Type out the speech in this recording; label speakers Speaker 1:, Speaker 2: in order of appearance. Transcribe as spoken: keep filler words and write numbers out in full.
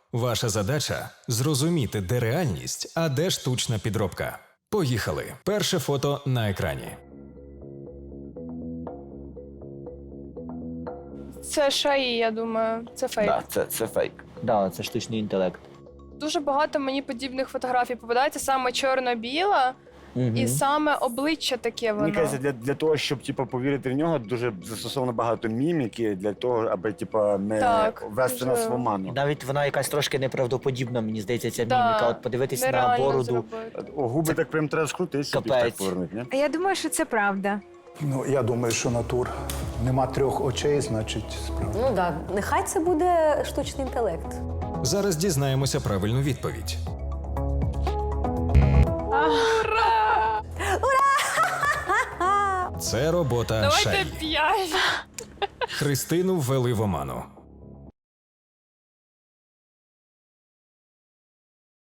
Speaker 1: Ваша задача – зрозуміти, де реальність, а де штучна підробка. Поїхали. Перше фото на екрані.
Speaker 2: Це шаї, я думаю, це фейк.
Speaker 3: Да, це, це фейк.
Speaker 4: Да, це штучний інтелект.
Speaker 2: Дуже багато мені подібних фотографій попадається, саме чорно-біла,
Speaker 4: Угу.
Speaker 2: і саме обличчя таке воно.
Speaker 3: Мені кажеться, для, для того, щоб типу, повірити в нього, дуже застосовано багато міміки для того, аби типу, не
Speaker 2: Так,
Speaker 3: ввести
Speaker 2: дуже.
Speaker 3: нас в оману.
Speaker 4: Навіть вона якась трошки неправдоподібна, мені здається, ця
Speaker 2: Да,
Speaker 4: міміка. От подивитись на
Speaker 2: нереально
Speaker 4: бороду.
Speaker 2: зробити.
Speaker 3: О, губи так прям треба скрутити, щоб їх так
Speaker 4: Капець.
Speaker 3: повернути, ні?
Speaker 5: А я думаю, що це правда.
Speaker 6: Ну, я думаю, що натур. Нема трьох очей, значить, справді.
Speaker 7: Ну так, нехай це буде штучний інтелект.
Speaker 1: Зараз дізнаємося правильну відповідь. Це робота
Speaker 2: Давайте
Speaker 1: шаї.
Speaker 2: п'ять.
Speaker 1: Христину ввели в оману.